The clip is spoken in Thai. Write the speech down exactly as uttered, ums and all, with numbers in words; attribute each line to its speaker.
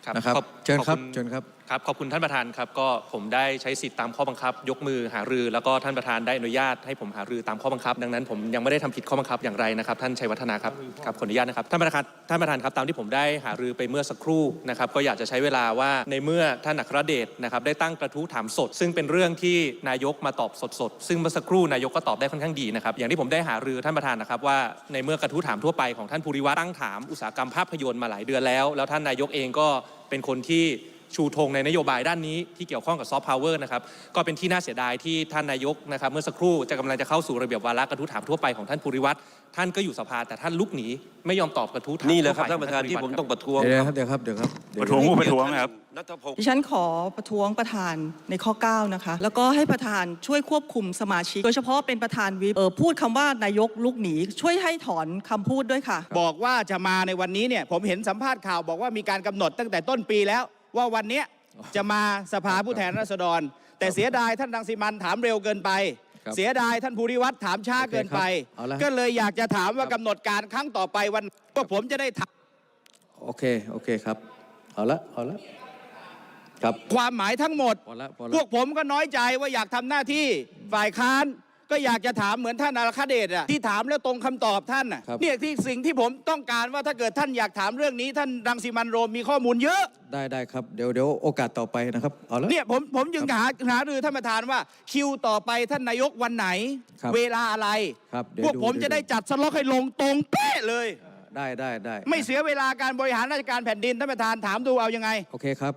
Speaker 1: นะครับเชิญครับเชิญครับ
Speaker 2: ครับขอบคุณท่านประธานครับก็ผมได้ใช้สิทธิ์ตามข้อบังคับยกมือหารือแล้วก็ท่านประธานได้อนุญาตให้ผมหารือตามข้อบังคับดังนั้นผมยังไม่ได้ทำผิดข้อบังคับอย่างไรนะครับท่านชัยวัฒนาครับครับขออนุญาตนะครับท่านประธานท่านประธานครับตามที่ผมได้หารือไปเมื่อสักครู่นะครับก็อยากจะใช้เวลาว่าในเมื่อท่านอัครเดชนะครับได้ตั้งกระทู้ถามสดซึ่งเป็นเรื่องที่นายกมาตอบสดๆซึ่งเมื่อสักครู่นายกก็ตอบได้ค่อนข้างดีนะครับอย่างที่ผมได้หารือท่านประธานนะครับว่าในเมื่อกระทู้ถามทั่วไปของท่านภูริวัฒน์ตั้งถามอุตสาหกรรมภาพยนตร์มาหลายเดือนแล้วแล้วท่านนายกเองก็เป็นคนที่ชูธงในนโยบายด้านนี้ที่เกี่ยวข้องกับซอฟต์พาวเวอร์นะครับก็เป็นที่น่าเสียดายที่ท่านนายกนะครับเมื่อสักครู่จะกำลังจะเข้าสู่ระเบียบวาระกระทู้ถามทั่วไปของท่านภูริวัฒน์ท่านก็อยู่สภาแต่ท่านลุกหนีไม่ยอมตอบกระทู้ถาม
Speaker 3: นี่แหละครับท่านประธานที่ผมต้องประท้วง
Speaker 1: เดี๋ยวครับเดี๋ยวครับเดี๋ยวครับ
Speaker 4: ประท้วงผู้ประท้วงนะครับ
Speaker 5: ดิฉันขอประท้วงประธานในข้อเก้านะคะแล้วก็ให้ประธานช่วยควบคุมสมาชิกโดยเฉพาะเป็นประธานวิปเออพูดคำว่านายกลุกหนีช่วยให้ถอนคำพูดด้วยค่ะ
Speaker 6: บอกว่าจะมาในวันนี้เนี่ยผมเห็นสัมภาษณ์ข่าวบอกว่ามีการกำหนดตั้งแต่ต้นปีแล้วว่าวันนี้จะมาสภาผู้แทนราษฎรแต่เสียดายท่านรังสิมันถามเร็วเกินไปเสียดายท่านภูริวัฒน์ถามช้าเกินไปก็เลยอยากจะถามว่ากำหนดการครั้งต่อไปวันพวกผมจะได้ถาม
Speaker 1: โอเคโอเคครับเอาละเอาละครับ
Speaker 6: ความหมายทั้งหมดพวกผมก็น้อยใจว่าอยากทำหน้าที่ฝ่ายค้านก็อยากจะถามเหมือนท่านอัครเดชอะที่ถามแล้วตรงคำตอบท่านอะเนี่ยที่สิ่งที่ผมต้องการว่าถ้าเกิดท่านอยากถามเรื่องนี้ท่านรังสิมันต์โรมมีข้อมูลเยอะ
Speaker 1: ได้ได้ครับเดี๋ยวเดี๋ยวโอกาสต่อไปนะครับเอาละ
Speaker 6: เนี่ยผมผมจึงหาหารือท่านประธานว่าคิวต่อไปท่านนายกวันไหนเวลาอะไรพวกผมจะได้จัดสล็อกให้ลงตรงเป๊ะเลย
Speaker 1: ได้ได้ได้
Speaker 6: ไม่เสียเวลาการบริหารราชการแผ่นดินท่านประธานถามดูเอายังไง
Speaker 1: โอเคครับ